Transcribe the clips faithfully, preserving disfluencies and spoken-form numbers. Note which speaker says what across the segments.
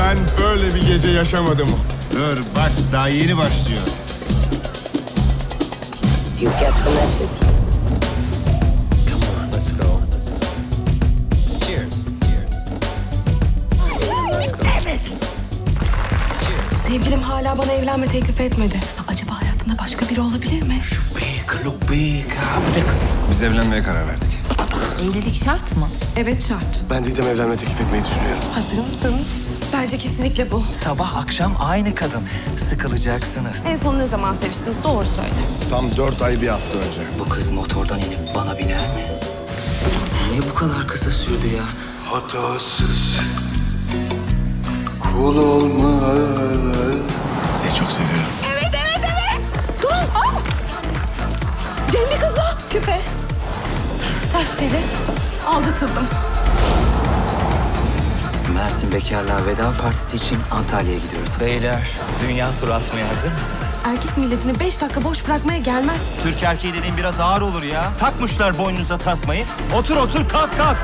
Speaker 1: Ben böyle bir gece yaşamadım.
Speaker 2: Dur bak, daha yeni başlıyor.
Speaker 3: You get the message.
Speaker 2: Come on, let's go. Cheers. Let's go.
Speaker 4: Sevgilim hala bana evlenme teklif etmedi. Acaba hayatında başka biri olabilir mi?
Speaker 2: Biz evlenmeye karar verdik.
Speaker 5: Evlilik şart mı?
Speaker 4: Evet şart.
Speaker 1: Ben Didem evlenme teklif etmeyi düşünüyorum.
Speaker 4: Hazır mısın? Bence kesinlikle bu.
Speaker 6: Sabah akşam aynı kadın. Sıkılacaksınız.
Speaker 4: En son ne zaman seviştiniz? Doğru söyle.
Speaker 1: Tam dört ay bir hafta önce.
Speaker 6: Bu kız motordan inip bana biner mi? Niye bu kadar kısa sürdü ya?
Speaker 1: Hatasız kul olmaz.
Speaker 2: Seni çok seviyorum.
Speaker 4: Evet, evet, evet. Durun, al. Cemil kızı. Küpe. Serseri. Aldatıldım.
Speaker 6: Mert'in bekarlığa veda partisi için Antalya'ya gidiyoruz. Beyler, dünya turu atmaya hazır mısınız?
Speaker 4: Erkek milletini beş dakika boş bırakmaya gelmez.
Speaker 6: Türk erkeği dediğin biraz ağır olur ya. Takmışlar boynunuza tasmayı. Otur otur, kalk kalk.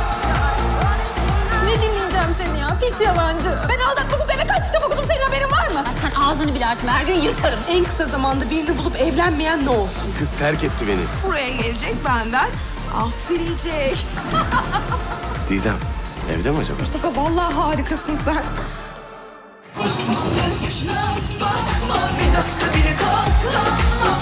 Speaker 5: Ne dinleyeceğim seni ya? Pis yalancı.
Speaker 4: Ben aldatmak üzerine kaç kitap okudum, senin haberin var mı?
Speaker 5: Ya sen ağzını bile açma. Her gün yırtarım.
Speaker 4: En kısa zamanda birini bulup evlenmeyen ne olsun?
Speaker 1: Kız terk etti beni.
Speaker 4: Buraya gelecek benden. Af dileyecek.
Speaker 1: Didem, evde mi acaba?
Speaker 4: Mustafa vallahi harikasın sen.
Speaker 7: Bir dakika bile katlama.